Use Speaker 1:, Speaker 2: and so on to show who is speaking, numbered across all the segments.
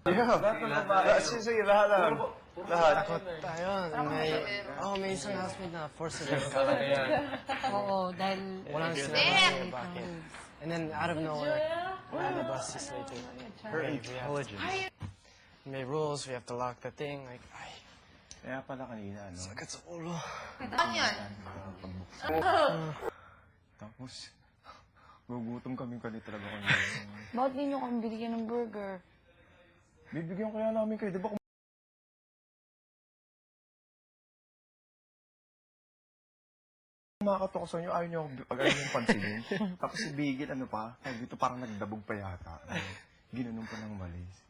Speaker 1: Yeah. Sige, lahat.
Speaker 2: Takot tayo. May isang housemate na force na rin ka.
Speaker 3: Oo, dahil...
Speaker 2: Walang sinabi bakit. And then, out of nowhere, lalabas si Slater.
Speaker 1: Her intelligence.
Speaker 2: May rules, we have to lock the thing. Like, ay,
Speaker 1: Kaya pala kanina, ano?
Speaker 2: sakit sa ulo.
Speaker 4: Ano yan?
Speaker 1: Tapos, gugutom kami talaga kanina.
Speaker 3: Bakit di nyo kami binigyan ng burger?
Speaker 1: Bibigyan kaya namin kayo, di ba? Kumakatok sa inyo, ayaw nyo pansinin. Tapos si Bigil, ano pa, dito parang nagdabog pa yata. Ginanon pa ng malis.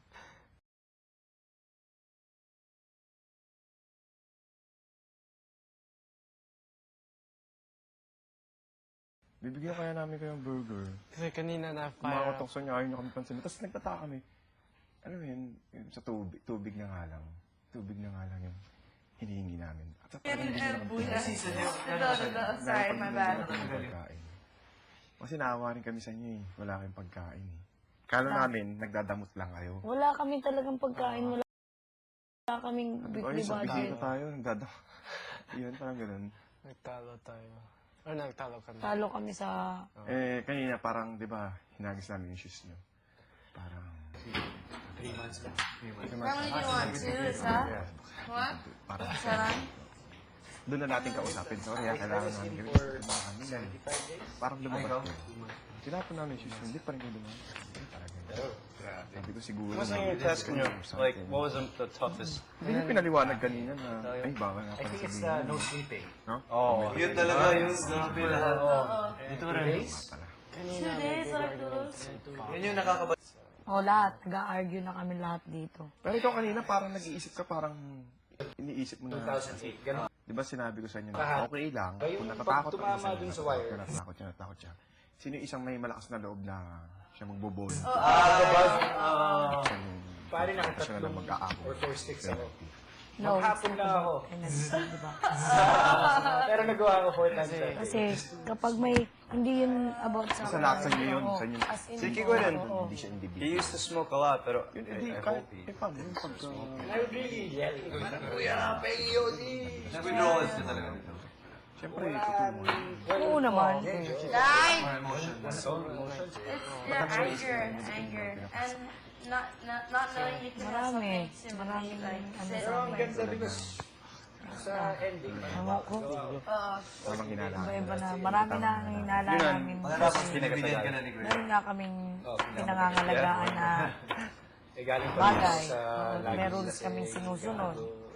Speaker 1: Bibigyan kaya namin kayong burger.
Speaker 2: Kasi kanina na
Speaker 1: Kumakatok sa inyo, ayaw nyo kami pansinin. Tapos nagtataka kami. Ano yun, yung sa tubig na nga lang. Tubig na nga lang yung hinihingi namin. At sa parang hindi naman
Speaker 4: Sorry, my bad.
Speaker 1: pagkain. Kasi naawa rin kami sa inyo eh. Wala kayong pagkain eh. Kala namin, nagdadamot lang kayo.
Speaker 3: Wala kami talagang pagkain. Wala kaming
Speaker 1: Ay,
Speaker 3: weekly
Speaker 1: sa
Speaker 3: budget.
Speaker 1: bisita tayo, nagdadamot. Yun, parang ganun.
Speaker 2: nagtalo tayo. Or nagtalo kami.
Speaker 3: Talo kami sa...
Speaker 1: Kanina parang, di ba, hinagis namin yung shoes nyo. Parang...
Speaker 4: 3 months lang. How many do you want? 2, isa? What?
Speaker 1: Parang...
Speaker 4: Isa lang?
Speaker 1: Doon na natin kausapin. Sorry, kailangan namin gawin. Parang lumabas ko. Tinapon namin yung shoes nyo. Hindi pa rin kayo lumabas. Sabi ko siguro...
Speaker 5: What's on your test? Like, what was the toughest?
Speaker 1: Hindi nyo pinaliwanag kanina na... Ay, bawal nga
Speaker 6: I
Speaker 1: pala
Speaker 6: think it's
Speaker 1: sabihin.
Speaker 6: no sleeping.
Speaker 1: No?
Speaker 5: Oh,
Speaker 6: Yun talaga, yun. Grabe lahat. Dito rin.
Speaker 2: Kanina,
Speaker 4: 2 days, like those?
Speaker 6: Yun yung nakakaba...
Speaker 3: O lahat, nag-argue na kami lahat dito.
Speaker 1: Pero ikaw kanina parang nag-iisip ka, parang iniisip mo na...
Speaker 6: 2008, gano'n.
Speaker 1: Di ba sinabi ko sa inyo na okay lang, kung natatakot
Speaker 6: pag tumama dun sa wire.
Speaker 1: Natakot siya. Sino yung isang may malakas na loob na siya magbobol?
Speaker 6: Pare na
Speaker 1: siya na mag-aako.
Speaker 6: or 4 sticks ako.
Speaker 3: No,
Speaker 6: Maghapon na ako.
Speaker 3: diba?
Speaker 6: Pero nagawa ko 4 times a day.
Speaker 3: Kasi kapag may... Hindi yun about sa...
Speaker 1: Sa lahat sa inyo yun.
Speaker 3: Oo,
Speaker 1: Sa inyo.
Speaker 3: as in,
Speaker 5: Sige, go ahead.
Speaker 3: oo.
Speaker 1: Hindi siya
Speaker 5: He
Speaker 1: individual.
Speaker 5: used to smoke a lot, pero
Speaker 1: Hindi,
Speaker 5: I
Speaker 1: kahit...
Speaker 5: hope he...
Speaker 1: paano yung pagka...
Speaker 6: I would really yell.
Speaker 5: Withdrawals ka talaga.
Speaker 1: Siyempre, totoo.
Speaker 3: Oo naman.
Speaker 4: Guys! It's the anger. And not knowing you can have
Speaker 3: Marami.
Speaker 4: something to
Speaker 3: Maraming
Speaker 4: like
Speaker 3: ano
Speaker 4: sit
Speaker 3: sa
Speaker 6: Pero ang
Speaker 3: amin.
Speaker 6: ganda because sa ending.
Speaker 3: Ewan ko.
Speaker 1: Walang hinala.
Speaker 3: Iba-iba na. Marami na ang hinala namin.
Speaker 5: Tapos pinagbigan ka na ni Greg.
Speaker 3: Meron nga kaming pinangangalagaan na
Speaker 6: Eh, galing pa rin
Speaker 3: bagay.
Speaker 6: sa lagi
Speaker 3: May rules
Speaker 6: kasi
Speaker 3: kaming sinusunod.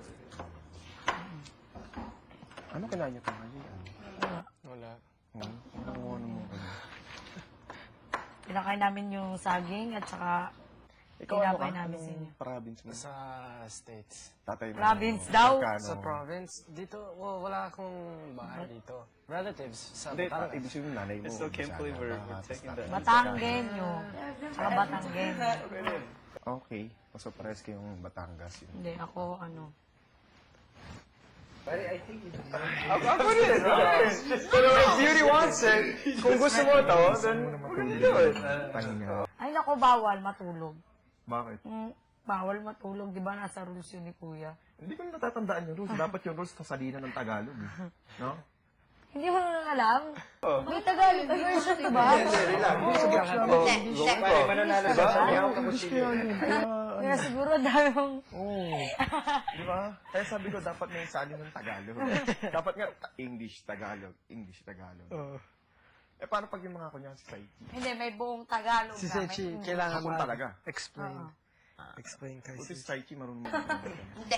Speaker 1: Ano kailangan niyo tayo?
Speaker 2: Wala.
Speaker 1: Ano mo?
Speaker 3: Pinakain namin yung saging at saka
Speaker 1: Ikaw ano ka?
Speaker 3: tinapay namin sa inyo.
Speaker 1: Anong province mo?
Speaker 2: Sa States.
Speaker 1: Tatay mo.
Speaker 3: Province daw?
Speaker 1: Magkano?
Speaker 2: Sa province, dito, wala akong bahay dito. Relatives sa
Speaker 1: Hindi,
Speaker 2: Batangas.
Speaker 1: ibig sabihin nanay mo.
Speaker 5: I still can't believe we're
Speaker 1: Bisaya,
Speaker 5: taking
Speaker 1: tapos
Speaker 5: that.
Speaker 3: Batanggenyo. Saka Batanggenyo.
Speaker 1: Okay. Mas pares kayong Batangas yun.
Speaker 3: Hindi, ako ano.
Speaker 6: Pare, I think it's
Speaker 5: Ako rin, pero if Beauty wants it, kung gusto mo ito, then we're gonna do it.
Speaker 1: Pahinga.
Speaker 3: Ay, naku, bawal matulog.
Speaker 1: Bakit?
Speaker 3: Bawal matulog. Di ba nasa rules yun ni Kuya?
Speaker 1: Hindi ko na natatandaan yung rules. Dapat yung rules sa salina ng Tagalog. Eh. No?
Speaker 3: Hindi mo na alam? May Tagalog version, di ba?
Speaker 6: pare, mananalo sa sabihan ko
Speaker 1: English kaya yun.
Speaker 3: Kaya siguro dami mong...
Speaker 1: Oo. Di ba? Kaya sabi ko, dapat may salin ng Tagalog. Dapat nga, English, Tagalog. English, Tagalog. Eh, paano pag yung mga kunya si Saiki?
Speaker 3: Hindi, may buong Tagalog
Speaker 2: Si
Speaker 3: kami.
Speaker 2: Sechi, kailangan
Speaker 1: Hapon talaga.
Speaker 2: explain. Explain kay
Speaker 1: Buti si
Speaker 2: Sechi.
Speaker 1: Saiki marunong mo.
Speaker 4: Hindi.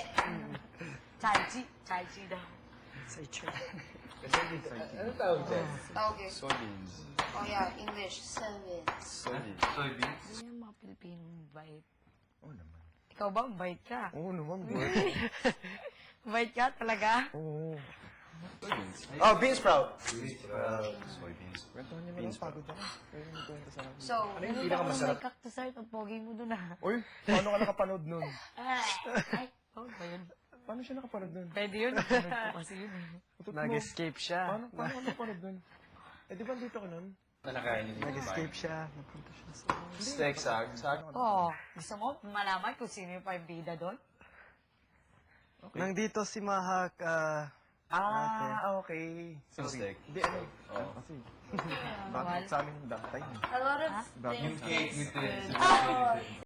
Speaker 3: Chai Chi daw.
Speaker 2: Sechi.
Speaker 6: Ano tawag dyan?
Speaker 4: Okay.
Speaker 5: Soybeans.
Speaker 4: Oh yeah, English. Soybeans.
Speaker 5: Soybeans.
Speaker 3: Hindi yung mga Pilipinong bait.
Speaker 1: Oo naman.
Speaker 3: Ikaw ba, bait ka?
Speaker 1: Oo naman.
Speaker 3: Bait ka talaga?
Speaker 1: Oo.
Speaker 5: Oh, bean sprout.
Speaker 1: Soybeans. Kwentuhan niyo na lang, pagod ako. Kaya yung kwento sa akin.
Speaker 4: So,
Speaker 6: Ano yung
Speaker 3: May
Speaker 6: pinakamasarap?
Speaker 3: cactus art, ang pogi mo dun ah.
Speaker 1: Uy, paano ka nakapanood nun?
Speaker 3: Ay, oh ba yun?
Speaker 1: Paano siya nakapanood nun?
Speaker 3: Pwede yun. Ano ko kasi yun eh.
Speaker 1: Utot mo.
Speaker 2: Nag-escape siya.
Speaker 1: Paano ka nakapanood nun? Eh, di ba dito ka nun?
Speaker 6: Na nakain niyo.
Speaker 2: Nag-escape siya. Napunta siya sa...
Speaker 1: Hindi,
Speaker 5: Steak, sag.
Speaker 3: Oh, gusto mo malaman kung sino yung pambida doon?
Speaker 2: Nandito si Mahak,
Speaker 1: Okay.
Speaker 5: Yung steak.
Speaker 1: Hindi, ano. Kasi, bakit sa amin datay?
Speaker 3: A lot of
Speaker 1: Bakit sa amin?
Speaker 3: things.